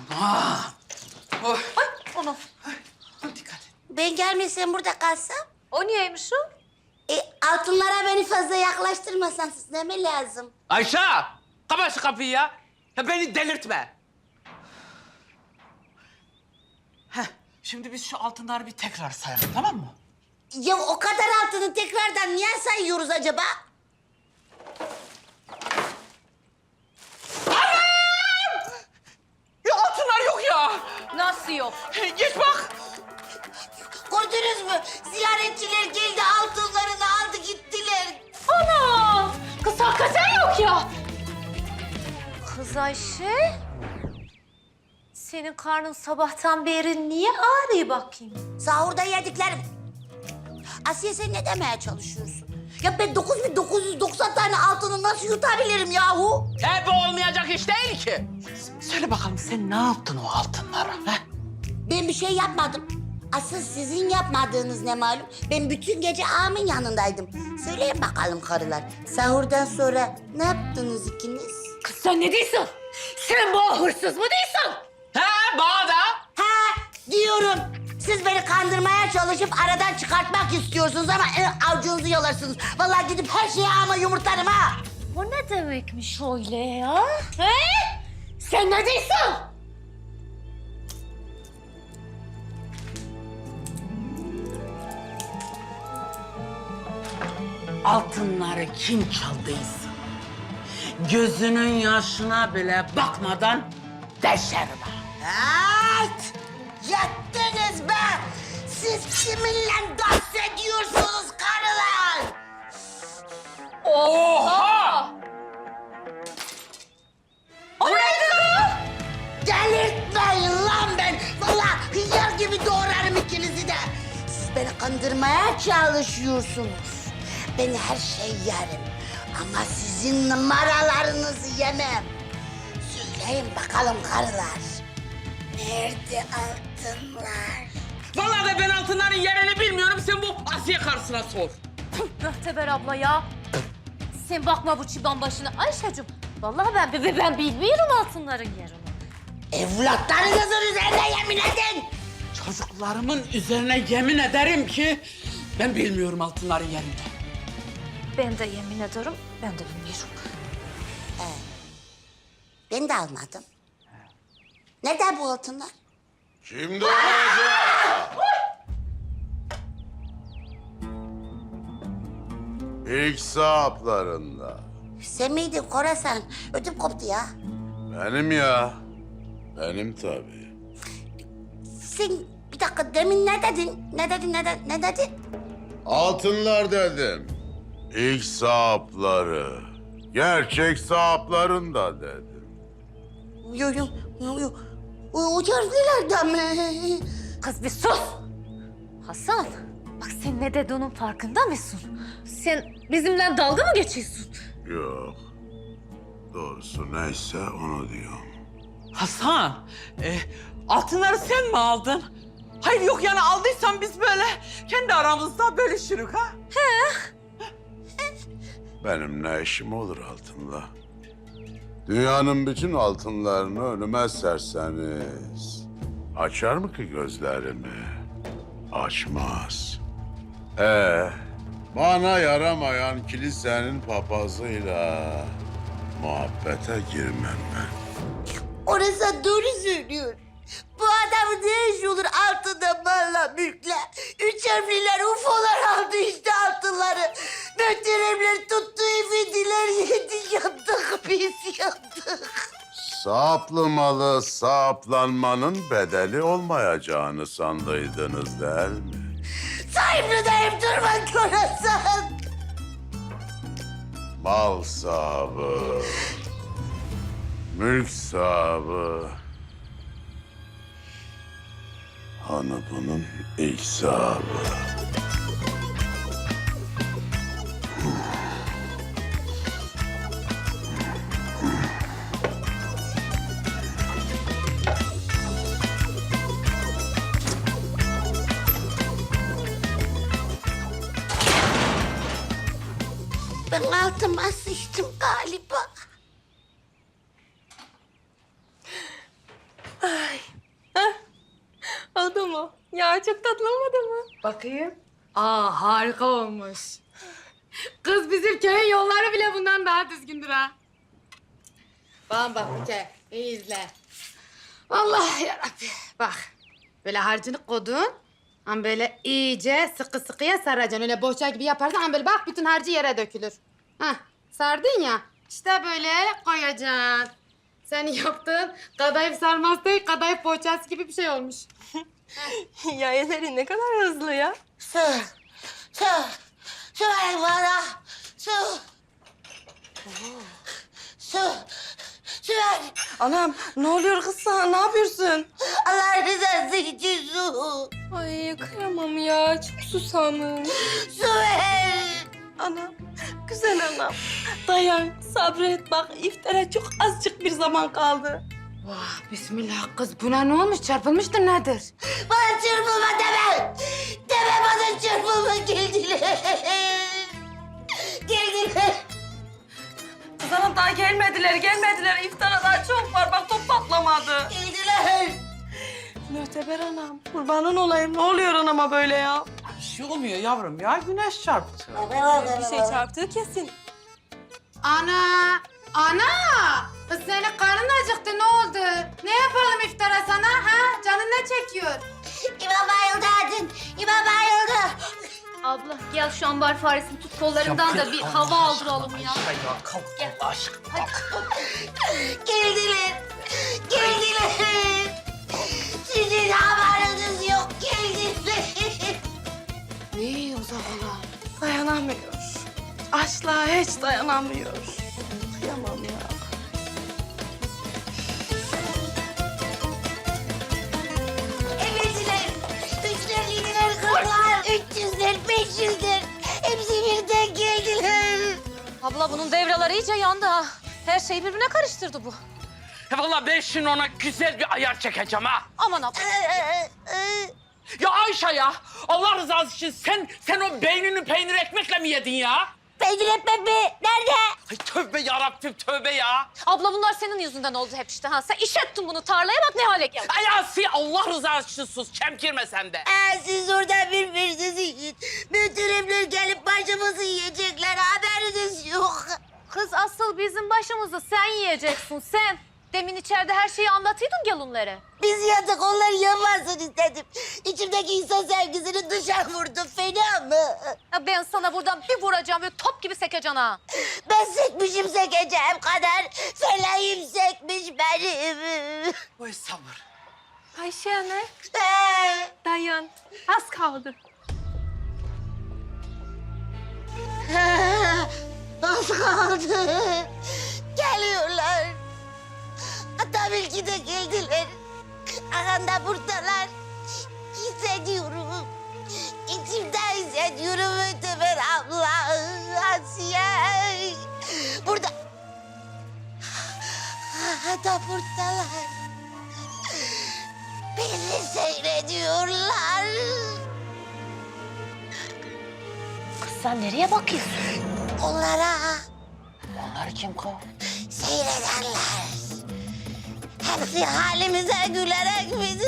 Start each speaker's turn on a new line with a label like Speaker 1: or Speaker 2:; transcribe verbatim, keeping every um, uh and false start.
Speaker 1: Ah! Oh.
Speaker 2: Ay onu.
Speaker 1: Dikkat et.
Speaker 3: Ben gelmesem burada kalsam?
Speaker 2: O niyeymiş o?
Speaker 3: E, altınlara beni fazla yaklaştırmasan siz ne mi lazım?
Speaker 1: Ayşe! Kapat şu kapıyı ya. Ya beni delirtme. Heh, şimdi biz şu altınları bir tekrar sayalım, tamam mı?
Speaker 3: Ya o kadar altını tekrardan niye sayıyoruz acaba?
Speaker 1: Ya altınlar yok ya.
Speaker 2: Nasıl yok?
Speaker 1: Geç bak.
Speaker 3: Gördünüz mü? Ziyaretçiler geldi, altınlarını aldı gittiler.
Speaker 2: Ana! Kız hakikaten yok ya. Kız Ayşe. Senin karnın sabahtan beri niye ağrıyor bakayım?
Speaker 3: Sahurda yediklerim. Asiye sen ne demeye çalışıyorsun? Ya ben dokuz bin dokuz yüz doksan tane altını nasıl yutabilirim yahu?
Speaker 1: Hep olmayacak iş değil ki. Söyle bakalım sen ne yaptın o altınlara? He?
Speaker 3: Ben bir şey yapmadım. Asıl sizin yapmadığınız ne malum? Ben bütün gece ağamın yanındaydım. Söyleyin bakalım karılar. Sahurdan sonra ne yaptınız ikiniz?
Speaker 2: Kız sen ne diyorsun? Sen bu hırsız mı diyorsun?
Speaker 1: He bana da.
Speaker 3: Ha diyorum. Siz beni kandırmaya çalışıp aradan çıkartmak istiyorsunuz ama e, avucunuzu yalarsınız. Vallahi gidip her şeyi ağama yumurtlarım ha.
Speaker 2: O ne demekmiş öyle ya? He? Sen ne diyorsun?
Speaker 1: Altınları kim çaldıysa gözünün yaşına bile bakmadan deşerim ha.
Speaker 3: Evet! Yettiniz be! Siz kiminle dans ediyorsunuz karılar?
Speaker 1: Oha!
Speaker 2: O neydi?
Speaker 3: Delirtmeyin lan ben! Vallahi hıyar gibi doğrarım ikinizi de. Siz beni kandırmaya çalışıyorsunuz. Ben her şeyi yerim. Ama sizin numaralarınızı yemem. Söyleyin bakalım karılar. Nerede altınlar?
Speaker 1: Vallahi de ben altınların yerini bilmiyorum. Sen bu Asiye karısına sor.
Speaker 2: Möhteber abla ya. Sen bakma bu çıban başına Ayşe'cim. Vallahi ben, ben, ben bilmiyorum altınların yerini.
Speaker 3: Evlatlarınızın üzerine yemin edin.
Speaker 1: Çocuklarımın üzerine yemin ederim ki ben bilmiyorum altınların yerini.
Speaker 2: Ben de yemin ederim, ben de bilmiyorum.
Speaker 3: Ben de almadım. Neden bu altınlar?
Speaker 4: Şimdi olacak. İlk sahaplarında.
Speaker 3: Sen miydin Korasan? Ödüm koptu ya.
Speaker 4: Benim ya. Benim tabii.
Speaker 3: Sen bir dakika demin ne dedin? Ne dedin, ne dedin, ne dedin?
Speaker 4: Altınlar dedim. İlk sahapları. Gerçek sahaplarında dedim.
Speaker 3: Yo yo yo yo. O, o harflerden mi?
Speaker 2: Kız bir sus! Hasan, bak sen ne dediğinin farkında mısın? Sen bizimle dalga mı geçiyorsun?
Speaker 4: Yok. Doğrusu neyse onu diyorum.
Speaker 1: Hasan, e, altınları sen mi aldın? Hayır yok yani aldıysan biz böyle kendi aramızda bölüşürük ha.
Speaker 4: Benim ne işim olur altınla? Dünyanın bütün altınlarını önüme serseniz... açar mı ki gözlerimi? Açmaz. Ee, bana yaramayan kilisenin papazıyla muhabbete girmem ben.
Speaker 3: Orası doğru söylüyor. Bu adamın ne işi olur altında malla mülkle? Üç harfliler, ufolar aldı işte altınları. Möhteremler tuttu, efendiler yedi, yandık biz yandık.
Speaker 4: Saplı malı saplanmanın bedeli olmayacağını sandıydınız değil mi?
Speaker 3: Sahipleneyim durma Korasan.
Speaker 4: Mal sahibi, mülk sahibi. Hanı bunun ilk sahibi.
Speaker 3: Ben altıma sıçtım galiba.
Speaker 5: mu? Ya çok tatlı olmadı mı? Bakayım. Aa harika olmuş. Kız bizim köyün yolları bile bundan daha düzgündür ha. Bana bak Buke, iyi izle. Allah yarabbim. Bak, böyle harcını kodun. Ama böyle iyice sıkı sıkıya saracaksın. Öyle bohça gibi yaparsan ama böyle bak bütün harcı yere dökülür. Hah, sardın ya. İşte böyle koyacaksın. Senin yaptığın kadayıf sarması değil, kadayıf poğaçası gibi bir şey olmuş.
Speaker 6: Ya ellerin ne kadar hızlı ya.
Speaker 3: Su, su, su ver bana. Su. Su, su ver.
Speaker 6: Anam ne oluyor kız sana? Ne yapıyorsun?
Speaker 3: Allah rızası için su.
Speaker 6: Ay kıyamam ya. Çok susamım.
Speaker 3: Su ver.
Speaker 6: Anam, güzel anam. Dayan, sabret bak. İftara çok azıcık bir zaman kaldı.
Speaker 5: Vah bismillah kız buna ne olmuş çarpılmıştır nedir?
Speaker 3: Bana çırpılma deme. Deme bana çırpılma. Geldiler. Geldiler.
Speaker 6: Kız anam daha gelmediler, gelmediler. İftara daha çok var. Bak top patlamadı.
Speaker 3: Geldiler.
Speaker 6: Müteber anam, kurbanın olayım. Ne oluyor anama böyle ya?
Speaker 1: Bir şey olmuyor yavrum ya. Güneş çarptı.
Speaker 6: Bir şey çarptığı kesin.
Speaker 5: Ana! Ana! Kız senin karnın acıktı ne oldu? Ne yapalım iftara sana ha? Canın ne çekiyor?
Speaker 3: İmam bayıldı Adın. İmam bayıldı.
Speaker 2: Abla gel şu ambar faresini tut kollarından da bir hava aldıralım ya.
Speaker 1: Ya kalk Allah aşkına.
Speaker 3: Geldiler. Geldiler. Sizin haberiniz yok. Geldiler.
Speaker 5: Ne o zaman?
Speaker 6: Dayanamıyor. Asla hiç dayanamıyor. Kıyamam ya.
Speaker 3: Emeciler. Üçler, yediler, kırklar. Üç yüzler, beş yüzler. Hepsi birden geldiler.
Speaker 2: Abla bunun devreleri iyice yandı ha. Her şeyi birbirine karıştırdı bu.
Speaker 1: He vallahi ben şimdi ona güzel bir ayar çekeceğim ha.
Speaker 2: Aman abla.
Speaker 1: Ya Ayşe ya. Allah rızası için sen sen o beynini peynir ekmekle mi yedin ya?
Speaker 3: Peynir etmem mi? Nerede?
Speaker 1: Ay tövbe yarabbim tövbe ya.
Speaker 2: Abla bunlar senin yüzünden oldu hep işte ha. Sen iş ettin bunu tarlaya bak ne hale geldi.
Speaker 1: Ay Asiye Allah rızası için sus. Çemkirme sen de.
Speaker 3: Ee, siz orada birbirinizi yiyin. Müdürümler gelip başımızı yiyecekler. Haberiniz yok.
Speaker 2: Kız asıl bizim başımızı sen yiyeceksin sen. Demin içeride her şeyi anlatıydın gelunlara.
Speaker 3: Biz yatık, onlar yanmasın istedim. İçimdeki insan sevgisini dışarı vurdum. Fena mı?
Speaker 2: Ya ben sana buradan bir vuracağım ve top gibi sekeceksin ha.
Speaker 3: Ben sekmişim sekeceğim kadar. Feleğim sekmiş benim.
Speaker 1: Oy sabır.
Speaker 6: Ayşe anne,
Speaker 3: Ee,
Speaker 6: dayan. Az kaldı.
Speaker 3: Az kaldı. Geliyorlar. Hatta belki de geldiler. Aranda buradalar. Hissediyorum. İçimde hissediyorum Öteber abla. Asiye. Burada. Hatta buradalar. Bizi seyrediyorlar.
Speaker 2: Kız sen nereye bakıyorsun?
Speaker 3: Onlara
Speaker 1: Onlar kim kız?
Speaker 3: seyredenler. Hepsi halimize gülerek bizi